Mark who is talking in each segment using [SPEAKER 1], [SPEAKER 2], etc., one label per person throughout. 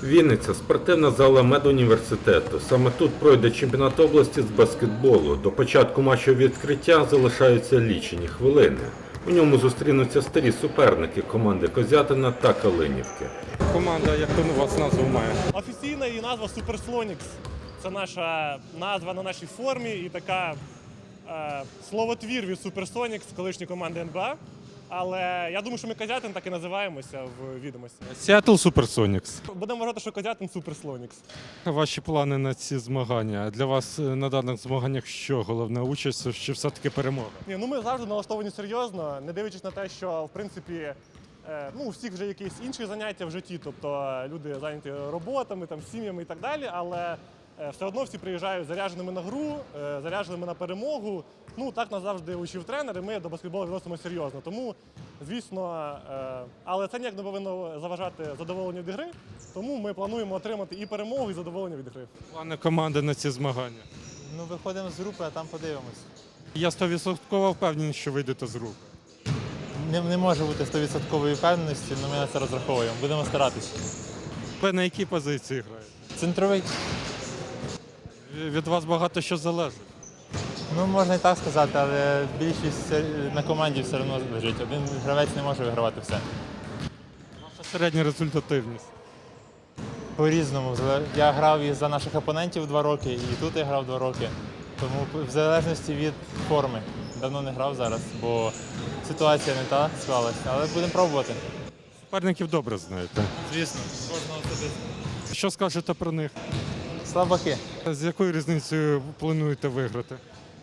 [SPEAKER 1] Вінниця – спортивна зала медуніверситету. Саме тут пройде чемпіонат області з баскетболу. До початку матчу відкриття залишаються лічені хвилини. У ньому зустрінуться старі суперники команди Козятина та Калинівки.
[SPEAKER 2] Команда, як у вас назву має?
[SPEAKER 3] Офіційна її назва Суперслонікс. Це наша назва на нашій формі і така словотвір від Суперсонікс, колишньої команди НБА. Але я думаю, що ми Козятин так і називаємося в відомості.
[SPEAKER 2] Seattle Supersonics.
[SPEAKER 3] Будемо вважати, що Козятин Суперслонікс.
[SPEAKER 2] Ваші плани на ці змагання? Для вас на даних змаганнях що? Головна участь чи все-таки перемога?
[SPEAKER 3] Ми завжди налаштовані серйозно, не дивлячись на те, що в принципі у всіх вже якісь інші заняття в житті, тобто люди зайняті роботами, сім'ями і так далі, але все одно всі приїжджають зарядженими на гру, зарядженими на перемогу. Так нас завжди учив тренер, і ми до баскетболу відносимо серйозно. Тому, звісно, але це ніяк не повинно заважати задоволенню від гри, тому ми плануємо отримати і перемогу, і задоволення від гри.
[SPEAKER 2] Плани команди на ці змагання?
[SPEAKER 4] Виходимо з групи, а там подивимось.
[SPEAKER 2] Я 100% впевнений, що вийдете з групи.
[SPEAKER 4] Не може бути 100% впевненості, але ми на це розраховуємо. Будемо старатися.
[SPEAKER 2] Ви на якій позиції граєте?
[SPEAKER 4] Центровий?
[SPEAKER 2] Від вас багато що залежить.
[SPEAKER 4] Можна і так сказати, але більшість на команді все одно лежить. Один гравець не може вигравати все.
[SPEAKER 2] Ваша середня результативність?
[SPEAKER 4] По-різному. Я грав і за наших опонентів 2 роки, і тут я грав 2 роки. Тому в залежності від форми. Давно не грав зараз, бо ситуація не та склалася, але будемо пробувати.
[SPEAKER 2] Суперників добре знаєте.
[SPEAKER 4] Звісно, кожного особисто.
[SPEAKER 2] Що скажете про них?
[SPEAKER 4] Слабаки.
[SPEAKER 2] З якою різницею плануєте виграти?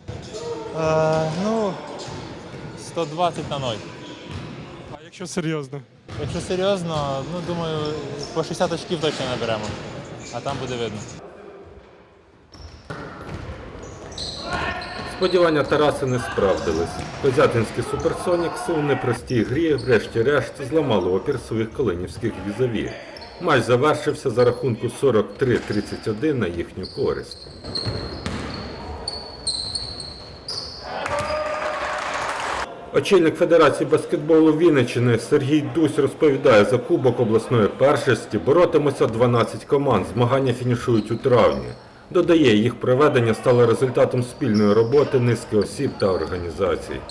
[SPEAKER 4] 120 на 0.
[SPEAKER 2] А якщо серйозно?
[SPEAKER 4] Якщо серйозно, думаю, по 60 очків точно наберемо, а там буде видно.
[SPEAKER 1] Сподівання Тараса не справдились. Козятинські суперсонікси у непростій грі врешті-решт зламали опір своїх калинівських візаві. Матч завершився за рахунку 43-31 на їхню користь. Очільник Федерації баскетболу Вінниччини Сергій Дусь розповідає, за кубок обласної першості боротимуться 12 команд. Змагання фінішують у травні. Додає, їх проведення стало результатом спільної роботи низки осіб та організацій.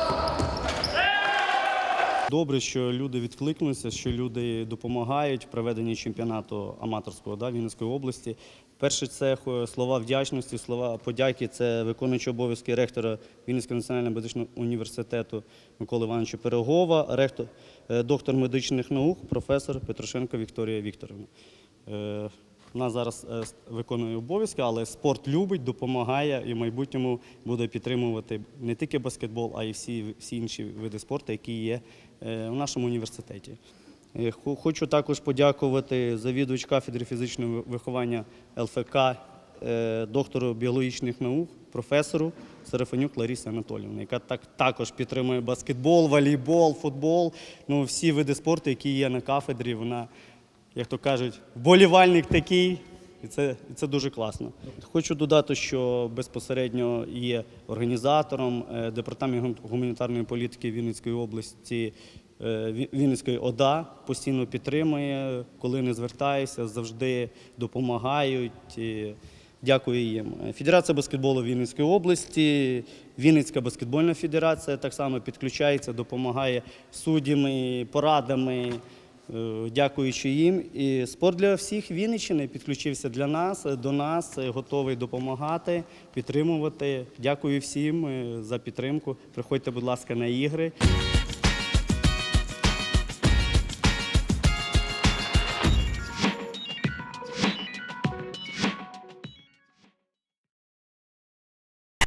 [SPEAKER 5] Добре, що люди відкликнулися, що люди допомагають в проведенні чемпіонату аматорського Вінницької області. Перше, це слова вдячності, слова подяки. Це виконуючий обов'язки ректора Вінницького національного медичного університету Миколи Івановича Пирогова, доктор медичних наук, професор Петрушенко Вікторія Вікторівна. Вона зараз виконує обов'язки, але спорт любить, допомагає і в майбутньому буде підтримувати не тільки баскетбол, а й всі інші види спорту, які є в нашому університеті. Хочу також подякувати завідувач кафедри фізичного виховання ЛФК, доктору біологічних наук, професору Серафанюк Ларисі Анатоліївні, яка також підтримує баскетбол, волейбол, футбол, всі види спорту, які є на кафедрі. Вона, як то кажуть, вболівальник такий, і це дуже класно. Хочу додати, що безпосередньо є організатором Департамент гуманітарної політики Вінницької області, Вінницької ОДА, постійно підтримує, коли не звертаюся, завжди допомагають. Дякую їм. Федерація баскетболу Вінницької області, Вінницька баскетбольна федерація так само підключається, допомагає суддями, порадами, дякуючи їм. І спорт для всіх Вінниччини підключився до нас, готовий допомагати, підтримувати. Дякую всім за підтримку. Приходьте, будь ласка, на ігри.